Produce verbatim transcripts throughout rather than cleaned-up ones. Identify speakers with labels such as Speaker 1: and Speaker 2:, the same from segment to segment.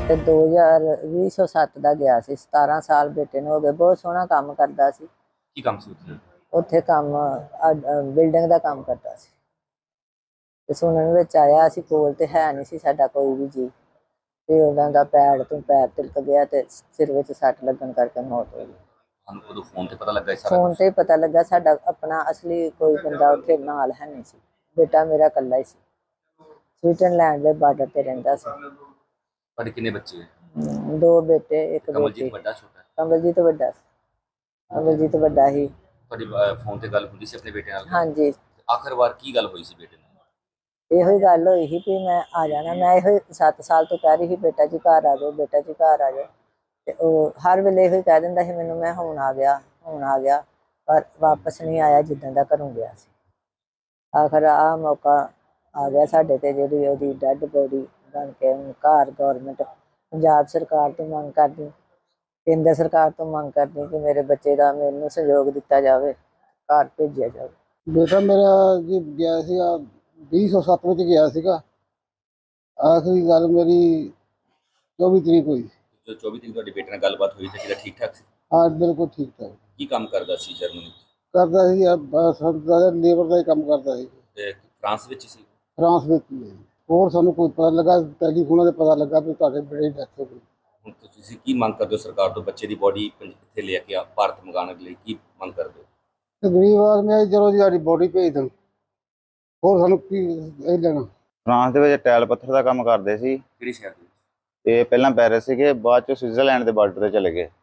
Speaker 1: ਤੇ ਦੋ ਹਜ਼ਾਰ ਵੀਹ ਸੌ ਸੱਤ ਦਾ ਗਿਆ ਸੀ। ਸਤਾਰਾਂ ਸਾਲ ਬੇਟੇ ਨੂੰ ਹੋ ਗਏ। ਬਹੁਤ ਸੋਹਣਾ ਕੰਮ ਕਰਦਾ ਸੀ।
Speaker 2: ਕੀ ਕੰਮ ਸੀ ਉੱਥੇ?
Speaker 1: ਉੱਥੇ ਕੰਮ ਬਿਲਡਿੰਗ ਦਾ ਕੰਮ ਕਰਦਾ ਸੀ। ਤੇ ਸੁਣਨ ਵਿੱਚ ਆਇਆ, ਅਸੀਂ ਕੋਲ ਤੇ ਹੈ ਨਹੀਂ ਸੀ ਸਾਡਾ ਕੋਈ ਵੀ ਜੀ, ਤੇ ਉਹਨਾਂ ਦਾ ਪੈਰ ਤੋਂ ਪੈਰ ਤਿਲਕ ਗਿਆ ਤੇ ਸਿਰ ਵਿੱਚ ਸੱਟ ਲੱਗਣ ਕਰਕੇ ਮੌਤ ਹੋ ਗਈ।
Speaker 2: ਸਾਨੂੰ ਉਦੋਂ ਫੋਨ ਤੇ ਪਤਾ ਲੱਗਾ ਇਹ ਸਾਰਾ
Speaker 1: ਫੋਨ
Speaker 2: ਕੁਛ?
Speaker 1: ਤੇ ਪਤਾ ਲੱਗਾ। ਸਾਡਾ ਆਪਣਾ ਅਸਲੀ ਕੋਈ ਬੰਦਾ ਉੱਥੇ ਨਾਲ ਹੈ ਨਹੀਂ ਸੀ। ਬੇਟਾ ਮੇਰਾ ਇਕੱਲਾ ਹੀ ਸੀ। ਸਵਿਟਜ਼ਰਲੈਂਡ ਦੇ ਬਾਰਡਰ ਤੇ ਰਹਿੰਦਾ ਸੀ।
Speaker 2: ਤੁਹਾਡੇ ਕਿੰਨੇ ਬੱਚੇ?
Speaker 1: ਹਮ, ਦੋ ਬੇਟੇ ਇੱਕ
Speaker 2: ਕਮਲਜੀਤ
Speaker 1: ਬੇਟੀ।
Speaker 2: ਵੱਡਾ ਛੋਟਾ?
Speaker 1: ਕਮਲਜੀਤ ਵੱਡਾ ਸੀ। ਕਮਲਜੀਤ ਵੱਡਾ ਹੀ।
Speaker 2: ਤੁਹਾਡੀ ਫੋਨ ਤੇ ਗੱਲ ਹੁੰਦੀ ਸੀ ਆਪਣੇ ਬੇਟੇ ਨਾਲ?
Speaker 1: ਹਾਂਜੀ।
Speaker 2: ਆਖਰ ਵਾਰ ਕੀ ਗੱਲ ਹੋਈ ਸੀ ਬੇਟੇ ਨਾਲ?
Speaker 1: ਇਹੋ ਹੀ ਗੱਲ ਹੋਈ ਸੀ ਵੀ ਮੈਂ ਆ ਜਾਣਾ। ਮੈਂ ਇਹੋ ਸੱਤ ਸਾਲ ਤੋਂ ਕਹਿ ਰਹੀ ਸੀ ਬੇਟਾ ਜੀ ਘਰ ਆ ਜਾਓ, ਬੇਟਾ ਜੀ ਘਰ ਆ ਜਾਓ। ਤੇ ਉਹ ਹਰ ਵੇਲੇ ਇਹੋ ਹੀ ਕਹਿ ਦਿੰਦਾ ਸੀ ਮੈਨੂੰ, ਮੈਂ ਹੁਣ ਆ ਗਿਆ, ਹੁਣ ਆ ਗਿਆ, ਪਰ ਵਾਪਸ ਨਹੀਂ ਆਇਆ ਜਿੱਦਾਂ ਦਾ ਘਰੋਂ ਗਿਆ ਸੀ। ਆਖਰ ਆਹ ਮੌਕਾ ਆ ਗਿਆ ਸਾਡੇ ਤੇ, ਜਿਹੜੀ ਉਹਦੀ ਡੈਡ ਬੋਡੀ ਬਣ ਕੇ ਹੁਣ ਘਰ ਗੌਰਮੈਂਟ ਪੰਜਾਬ ਸਰਕਾਰ ਤੋਂ ਮੰਗ ਕਰਦੀ, ਕੇਂਦਰ ਸਰਕਾਰ ਤੋਂ ਮੰਗ ਕਰਦੀ ਕਿ ਮੇਰੇ ਬੱਚੇ ਦਾ ਮੈਨੂੰ ਸਹਿਯੋਗ ਦਿੱਤਾ ਜਾਵੇ, ਘਰ ਭੇਜਿਆ ਜਾਵੇ।
Speaker 3: ਬੇਟਾ ਮੇਰਾ ਜੀ ਗਿਆ ਸੀਗਾ ਵੀਹ ਸੌ ਸੱਤ ਵਿੱਚ ਗਿਆ ਸੀਗਾ। ਆਖਰੀ ਗੱਲ ਮੇਰੀ ਚੌਵੀ ਤਰੀਕ ਹੋਈ।
Speaker 2: ਜੋ ਚੌਵੀ ਤਰੀਕ ਤੁਹਾਡੇ ਬੇਟੇ ਨਾਲ ਗੱਲਬਾਤ ਹੋਈ ਤੇ ਕਿਹੜਾ ਠੀਕ ਠਾਕ ਸੀ?
Speaker 3: ਹਾਂ ਬਿਲਕੁਲ ਠੀਕ ਠਾਕ
Speaker 2: ਕੀ ਕੰਮ ਕਰਦਾ ਸੀ ਜਰਮਨੀ?
Speaker 3: ਕਰਦਾ ਸੀ। ਸਰਦਾ ਲੇਬਰ ਦਾ ਹੀ ਕੰਮ ਕਰਦਾ ਸੀ।
Speaker 2: ਤੇ ਫਰਾਂਸ ਵਿੱਚ ਸੀ?
Speaker 3: ਫਰਾਂਸ ਵਿੱਚ ਹੀ ਹੈ। ਹੋਰ ਸਾਨੂੰ ਕੋਈ ਪਤਾ ਲੱਗਾ, ਟੈਲੀਫੋਨਾਂ ਤੇ ਪਤਾ ਲੱਗਾ ਵੀ ਤੁਹਾਡੇ ਬੇਟੇ ਦੀ ਡੈਥ ਹੋ ਗਈ।
Speaker 2: ਹੁਣ ਤੁਸੀਂ ਕੀ ਮੰਗ ਕਰਦੇ ਹੋ ਸਰਕਾਰ ਤੋਂ? ਬੱਚੇ ਦੀ ਬੋਡੀ ਕਿੱਥੇ ਲੈ ਕੇ ਆ ਭਾਰਤ ਮੰਗਾਉਣ ਲਈ ਕੀ ਮੰਗ ਕਰਦੇ ਹੋ?
Speaker 3: ਤੇ ਗਰੀਬ ਆਦਮੀ ਆ, ਚਲੋ ਜੀ ਸਾਡੀ ਬੋਡੀ ਭੇਜ ਦੇਣ, ਹੋਰ ਸਾਨੂੰ ਕੀ ਇਹ ਲੈਣਾ।
Speaker 4: ਫਰਾਂਸ ਦੇ ਵਿੱਚ ਟਾਇਲ ਪੱਥਰ ਦਾ ਕੰਮ ਕਰਦੇ ਸੀ।
Speaker 2: ਕਿਹੜੇ ਸ਼ਹਿਰ ਦੇ ਵਿੱਚ?
Speaker 4: ਤੇ ਪਹਿਲਾਂ ਪੈਰਿਸ ਸੀਗੇ, ਬਾਅਦ ਚ ਸਵਿਟਜ਼ਰਲੈਂਡ ਦੇ ਬਾਰਡਰ ਤੇ ਚਲੇ ਗਏ।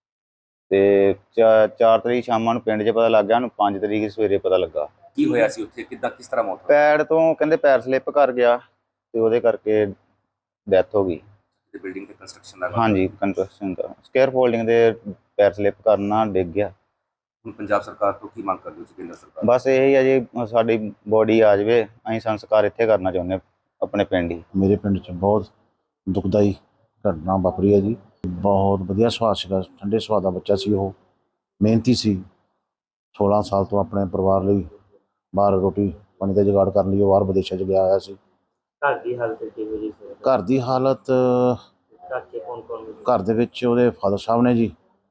Speaker 4: ਤੇ ਚਾਰ ਤਰੀਕ ਸ਼ਾਮਾਂ ਨੂੰ ਪਿੰਡ 'ਚ ਪਤਾ ਲੱਗ ਗਿਆ, ਉਹਨੂੰ ਪੰਜ ਤਰੀਕ ਸਵੇਰੇ ਪਤਾ ਲੱਗਾ।
Speaker 2: ਕੀ ਹੋਇਆ ਸੀ ਉੱਥੇ? ਕਿੱਦਾਂ ਕਿਸ ਤਰ੍ਹਾਂ ਮੌਤ ਹੋਈ?
Speaker 4: ਪੈਰ ਤੋਂ ਕਹਿੰਦੇ ਪੈਰ ਸਲਿੱਪ ਕਰ ਗਿਆ ਤੇ ਉਹਦੇ ਕਰਕੇ ਡੈਥ ਹੋ ਗਈ।
Speaker 2: ਤੇ ਬਿਲਡਿੰਗ ਤੇ ਕੰਸਟਰਕਸ਼ਨ ਦਾ?
Speaker 4: ਹਾਂਜੀ, ਕੰਸਟਰਕਸ਼ਨ ਦਾ ਸਕੇਅਰ ਫੋਲਡਿੰਗ ਦੇ ਪੈਰ ਸਲਿੱਪ ਕਰਨਾ ਡਿੱਗ ਗਿਆ।
Speaker 2: ਹੁਣ ਪੰਜਾਬ ਸਰਕਾਰ ਤੋਂ ਕੀ ਮੰਗ ਕਰਦੇ ਹੋ? ਕੇਂਦਰ ਸਰਕਾਰ?
Speaker 4: ਬਸ ਇਹੀ ਆ ਜੀ, ਸਾਡੀ ਬੋਡੀ ਆ ਜਾਵੇ, ਅਸੀਂ ਸੰਸਕਾਰ ਇੱਥੇ ਕਰਨਾ ਚਾਹੁੰਦੇ ਆਪਣੇ ਪਿੰਡ ਹੀ।
Speaker 5: ਮੇਰੇ ਪਿੰਡ 'ਚ ਬਹੁਤ ਦੁਖਦਾਈ ਘਟਨਾ ਵਾਪਰੀ ਹੈ ਜੀ। ਬਹੁਤ ਵਧੀਆ ਸੁਭਾਅ ਸੀਗਾ, ਠੰਡੇ ਸੁਭਾਅ ਦਾ ਬੱਚਾ ਸੀ। ਉਹ ਮਿਹਨਤੀ ਸੀ। ਸੋਲਾਂ ਸਾਲ ਤੋਂ ਆਪਣੇ ਪਰਿਵਾਰ ਲਈ ਬਾਹਰ ਰੋਟੀ ਪਾਣੀ ਦਾ ਜੁਗਾੜ ਕਰਨ ਲਈ ਉਹ ਬਾਹਰ ਵਿਦੇਸ਼ਾਂ 'ਚ ਗਿਆ ਹੋਇਆ ਸੀ।
Speaker 6: ਘਰ ਦੀ ਹਾਲਤ ਕਿਵੇਂ ਜੀ?
Speaker 5: ਘਰ ਦੀ ਹਾਲਤ,
Speaker 6: ਘਰ ਕੌਣ ਕੌਣ?
Speaker 5: ਘਰ ਦੇ ਵਿੱਚ ਉਹਦੇ ਫਾਦਰ ਸਾਹਿਬ ਨੇ ਜੀ,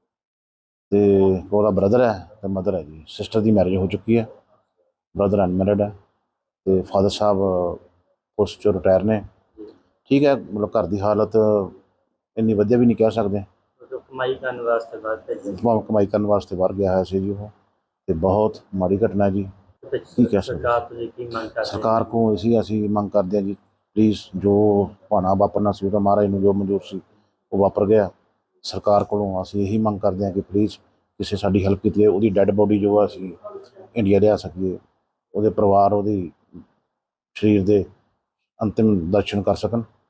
Speaker 5: ਤੇ ਉਹਦਾ ਬ੍ਰਦਰ ਹੈ ਤੇ ਮਦਰ ਹੈ ਜੀ। ਸਿਸਟਰ ਦੀ ਮੈਰਿਜ ਹੋ ਚੁੱਕੀ ਹੈ, ਬ੍ਰਦਰ ਅਨਮੈਰਿਡ ਹੈ, ਤੇ ਫਾਦਰ ਸਾਹਿਬ ਪੋਸਟ 'ਚੋਂ ਰਿਟਾਇਰ ਨੇ। ਠੀਕ ਹੈ, ਮਤਲਬ ਘਰ ਦੀ ਹਾਲਤ ਇੰਨੀ ਵਧੀਆ ਵੀ ਨਹੀਂ ਕਹਿ ਸਕਦੇ।
Speaker 6: ਕਮਾਈ ਕਰਨ ਵਾਸਤੇ ਬਾਹਰ
Speaker 5: ਕਮਾਈ ਕਰਨ ਵਾਸਤੇ ਬਾਹਰ ਗਿਆ ਹੋਇਆ ਸੀ ਜੀ ਉਹ, ਤੇ ਬਹੁਤ ਮਾੜੀ ਘਟਨਾ ਜੀ। ਕੀ ਕਹਿ ਸਕਦੇ ਸਰਕਾਰ ਕੋਲ ਅਸੀਂ ਅਸੀਂ ਮੰਗ ਕਰਦੇ ਹਾਂ ਜੀ, ਪਲੀਜ਼ ਜੋ ਭਾਣਾ ਵਾਪਰਨਾ ਸੀ ਉਹ ਤਾਂ ਮਹਾਰਾਜ ਨੂੰ ਜੋ ਮਨਜ਼ੂਰ ਸੀ ਉਹ ਵਾਪਰ ਗਿਆ। ਸਰਕਾਰ ਕੋਲੋਂ ਅਸੀਂ ਇਹੀ ਮੰਗ ਕਰਦੇ ਹਾਂ ਕਿ ਪਲੀਜ਼ ਕਿਸੇ ਸਾਡੀ ਹੈਲਪ ਕੀਤੀ ਹੈ, ਉਹਦੀ ਡੈੱਡ ਬੋਡੀ ਜੋ ਅਸੀਂ ਇੰਡੀਆ ਲਿਆ ਸਕੀਏ, ਉਹਦੇ ਪਰਿਵਾਰ ਉਹਦੀ ਸਰੀਰ ਦੇ ਅੰਤਿਮ ਦਰਸ਼ਨ ਕਰ ਸਕਣ।